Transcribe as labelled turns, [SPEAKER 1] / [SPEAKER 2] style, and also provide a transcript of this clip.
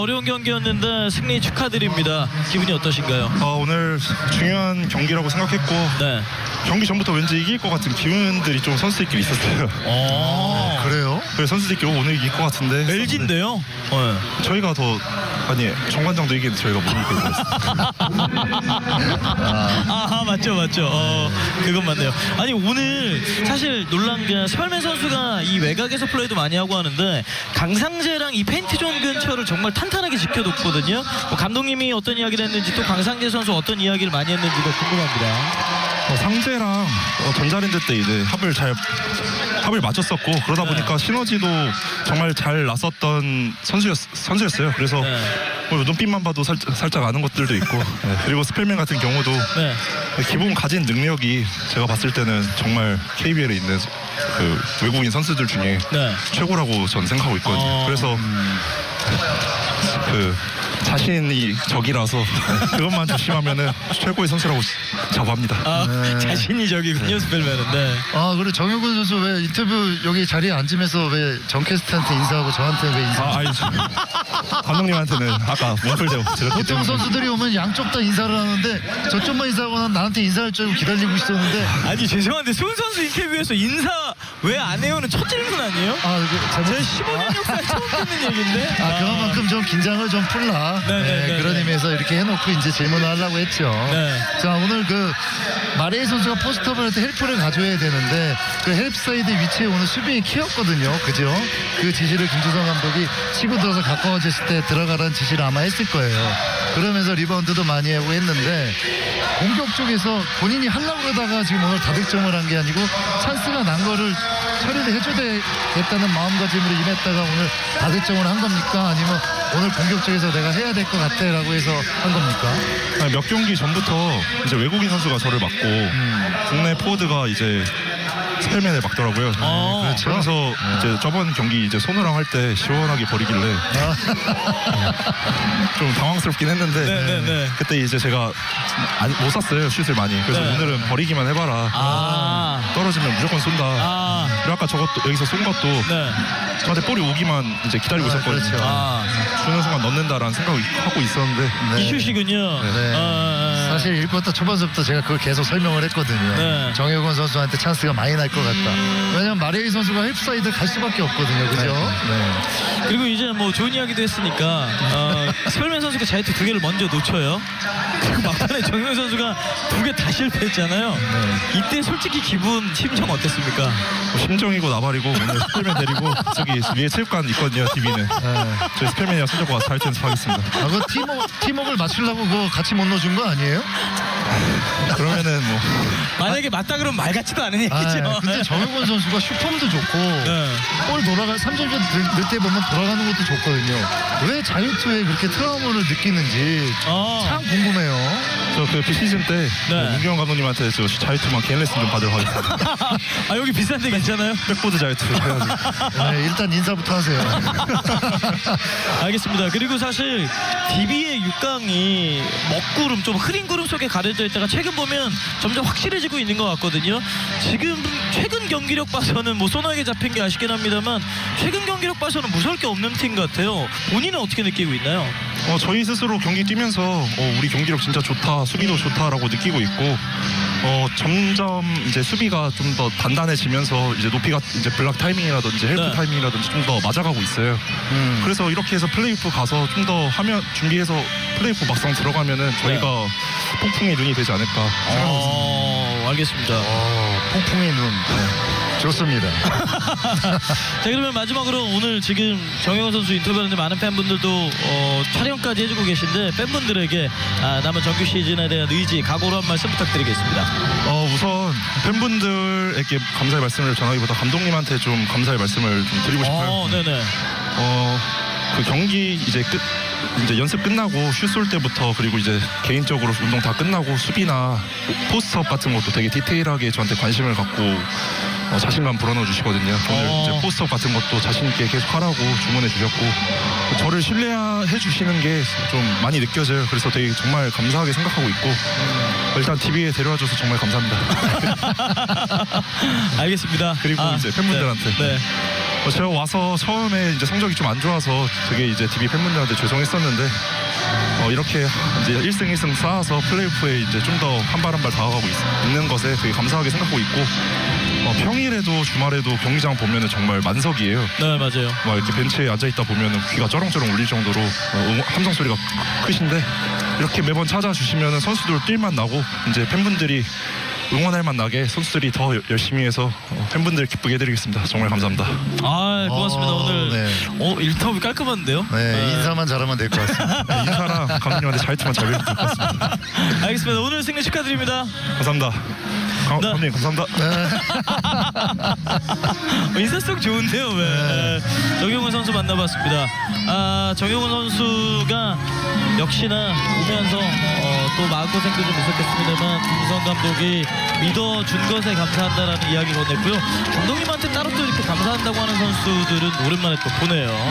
[SPEAKER 1] 어려운 경기였는데 승리 축하드립니다. 기분이 어떠신가요?
[SPEAKER 2] 오늘 중요한 경기라고 생각했고
[SPEAKER 1] 네.
[SPEAKER 2] 경기 전부터 왠지 이길 것 같은 기운들이 좀 선수들끼리 있었어요.
[SPEAKER 3] 그래요?
[SPEAKER 2] 그래서 선수들끼리 오늘 이길 것 같은데
[SPEAKER 1] LG인데요? 네.
[SPEAKER 2] 저희가 더 정관장도 이기는데 저희가 못 이기고 있었어요.
[SPEAKER 1] 아 맞죠. 그건 맞네요. 아니 오늘 사실 놀란 게 설맨 선수가 이 외곽에서 플레이도 많이 하고 하는데 강상재랑 이 페인트존 근처를 정말 탄탄하게 지켜뒀거든요. 감독님이 어떤 이야기를 했는지 또 강상재 선수 어떤 이야기를 많이 했는지도 궁금합니다.
[SPEAKER 2] 상재랑 전자랜드 때 이제 합을 맞췄었고 그러다 보니까 시너지도 정말 잘 났었던 선수였어요. 그래서 눈빛만 봐도 살짝 아는 것들도 있고 그리고 스펠맨 같은 경우도 기본 가진 능력이 제가 봤을 때는 정말 KBL에 있는 그 외국인 선수들 중에 최고라고 전 생각하고 있거든요. 그래서 그 자신이 적이라서 그것만 조심하면은 최고의 선수라고 자부합니다.
[SPEAKER 1] 자신이 적이군요, 스펠맨은. 네.
[SPEAKER 3] 그리고 정효근 선수 왜 인터뷰 여기 자리에 앉으면서 왜 정 캐스트한테 인사하고 저한테 왜 인사?
[SPEAKER 2] 감독님한테는 아까 원풀대고
[SPEAKER 3] 보통 선수들이 오면 양쪽 다 인사를 하는데 저쪽만 인사하고 난 나한테 인사할 줄 알고 기다리고 있었는데.
[SPEAKER 1] 아니 죄송한데 수훈 선수 인터뷰에서 인사 왜 안 해요는 첫 질문 아니에요?
[SPEAKER 3] 제
[SPEAKER 1] 15년 역사에 처음 듣는 얘기인데.
[SPEAKER 3] 그만큼 좀 긴장을 좀 풀라. 그런 의미에서 이렇게 해놓고 이제 질문을 하려고 했죠. 자, 오늘 그 마레이 선수가 포스트업을 할 때 헬프를 가져야 되는데 그 헬프 사이드 위치에 오늘 수비의 키였거든요. 그죠? 그 지시를 김주성 감독이 치고 들어서 가까워졌을 때 들어가라는 지시를 아마 했을 거예요. 그러면서 리바운드도 많이 하고 했는데 공격 쪽에서 본인이 하려고 그러다가 지금 오늘 다득점을 한 게 아니고 찬스가 난 거를 처리를 해줘야겠다는 마음가짐으로 임했다가 오늘 다득점을 한 겁니까? 아니면 오늘 공격 쪽에서 내가 해야 될 것 같아 라고 해서 한 겁니까?
[SPEAKER 2] 몇 경기 전부터 이제 외국인 선수가 저를 막고 국내 포워드가 이제 스펠맨을 막더라고요.
[SPEAKER 3] 그렇죠.
[SPEAKER 2] 그래서 이제 저번 경기 이제 손호랑 할 때 시원하게 버리길래 좀 당황스럽긴 했는데 그때 이제 제가 못 쐈어요, 슛을 많이. 그래서 오늘은 버리기만 해봐라. 떨어지면 무조건 쏜다. 그리고 아까 저것도 여기서 쏜 것도 저한테 볼이 오기만 이제 기다리고 있었거든요.
[SPEAKER 3] 그렇죠.
[SPEAKER 2] 주는 순간 넣는다라는 생각을 하고 있었는데
[SPEAKER 1] 이 슛이군요.
[SPEAKER 3] 사실 1쿼터 초반부터 제가 그걸 계속 설명을 했거든요. 정효근 선수한테 찬스가 많이 날 것 같다. 왜냐면 마레이 선수가 헬프 사이드 갈 수밖에 없거든요. 그죠?
[SPEAKER 1] 그리고 이제 뭐 좋은 이야기도 했으니까 스펠맨 선수가 자유투 2개를 먼저 놓쳐요. 그리고 막판에 정효근 선수가 2개 다 실패했잖아요. 이때 솔직히 심정 어땠습니까?
[SPEAKER 2] 심정이고 나발이고 오늘 스펠맨 데리고 저기 위에 체육관 있거든요. TV는 저희 스펠맨이랑 손잡고 가서 자유투 연습하겠습니다.
[SPEAKER 3] 그 팀워크를 맞추려고 그거 같이 못 넣어준 거 아니에요?
[SPEAKER 2] 그러면은 뭐
[SPEAKER 1] 만약에 맞다 그러면 말 같지도 않은 얘기죠.
[SPEAKER 3] 근데 정효근 선수가 슈퍼도 좋고 볼 돌아가 3점 넣을 때 보면 돌아가는 것도 좋거든요. 왜 자유투에 그렇게 트라우마를 느끼는지 참 궁금해요.
[SPEAKER 2] 저 그 비시즌 때 문경원 감독님한테 저 자유투만 개인 레슨 좀 받으러 가겠습니다.
[SPEAKER 1] 여기 비싼데 괜찮아요?
[SPEAKER 2] 백보드 자유투 해가지고.
[SPEAKER 3] 일단 인사부터 하세요.
[SPEAKER 1] 알겠습니다. 그리고 사실 DB의 6강이 먹구름 좀 흐린 구름 속에 가려져 있다가 최근 보면 점점 확실해지고 있는 것 같거든요. 지금 최근 경기력 봐서는 뭐 소나에게 잡힌 게 아쉽긴 합니다만 최근 경기력 봐서는 무서울 게 없는 팀 같아요. 본인은 어떻게 느끼고 있나요?
[SPEAKER 2] 저희 스스로 경기 뛰면서 우리 경기력 진짜 좋다, 수비도 좋다라고 느끼고 있고 점점 이제 수비가 좀 더 단단해지면서 이제 높이가 이제 블락 타이밍이라든지 헬프 타이밍이라든지 좀 더 맞아가고 있어요. 그래서 이렇게 해서 플레이오프 가서 좀 더 하면 준비해서 플레이오프 막상 들어가면은 저희가 폭풍의 눈이 되지 않을까 생각하고
[SPEAKER 1] 알겠습니다.
[SPEAKER 3] 폭풍의 눈. 좋습니다.
[SPEAKER 1] 자, 그러면 마지막으로 오늘 지금 정효근 선수 인터뷰하는데 많은 팬분들도 촬영까지 해주고 계신데 팬분들에게 남은 정규 시즌에 대한 의지, 각오로 한 말씀 부탁드리겠습니다.
[SPEAKER 2] 우선 팬분들에게 감사의 말씀을 전하기보다 감독님한테 좀 감사의 말씀을 좀 드리고 싶어요. 그 경기 이제 연습 끝나고 슛 쏠 때부터 그리고 이제 개인적으로 운동 다 끝나고 수비나 포스트업 같은 것도 되게 디테일하게 저한테 관심을 갖고 자신감 불어넣어 주시거든요. 오늘 이제 포스트업 같은 것도 자신 있게 계속 하라고 주문해 주셨고 저를 신뢰해 주시는 게 좀 많이 느껴져요. 그래서 되게 정말 감사하게 생각하고 있고 일단 TV에 데려와줘서 정말 감사합니다.
[SPEAKER 1] 알겠습니다.
[SPEAKER 2] 그리고 이제 팬분들한테 제가 와서 처음에 이제 성적이 좀 안 좋아서 되게 이제 DB 팬분들한테 죄송했었는데 이렇게 이제 1승 1승 쌓아서 플레이오프에 이제 좀 더 한 발 한 발 다가가고 있는 것에 되게 감사하게 생각하고 있고 평일에도 주말에도 경기장 보면은 정말 만석이에요.
[SPEAKER 1] 네, 맞아요.
[SPEAKER 2] 막 이렇게 벤치에 앉아 있다 보면은 귀가 쩌렁쩌렁 울릴 정도로 함성 소리가 크신데 이렇게 매번 찾아주시면은 선수들 뛸만 나고 이제 팬분들이 응원할 만 나게 선수들이 더 열심히 해서 팬분들 기쁘게 해드리겠습니다. 정말 감사합니다.
[SPEAKER 1] 아, 고맙습니다. 오늘
[SPEAKER 3] 네.
[SPEAKER 1] 인터뷰 깔끔한데요?
[SPEAKER 3] 네, 인사만 잘하면 될 것 같습니다.
[SPEAKER 2] 인사랑 감독님한테 잘투만 잘 배우면 될 것 같습니다.
[SPEAKER 1] 알겠습니다. 오늘 승리 축하드립니다.
[SPEAKER 2] 감사합니다. 감독님 감사합니다.
[SPEAKER 1] 인사성 좋은데요. 왜? 정용훈 선수 만나봤습니다. 정용훈 선수가 역시나 오면서 또 마음고생도 좀 있었겠습니다만 김성 감독이 믿어준 것에 감사한다라는 이야기 건넸고요. 감독님한테 따로 또 이렇게 감사한다고 하는 선수들은 오랜만에 또 보네요.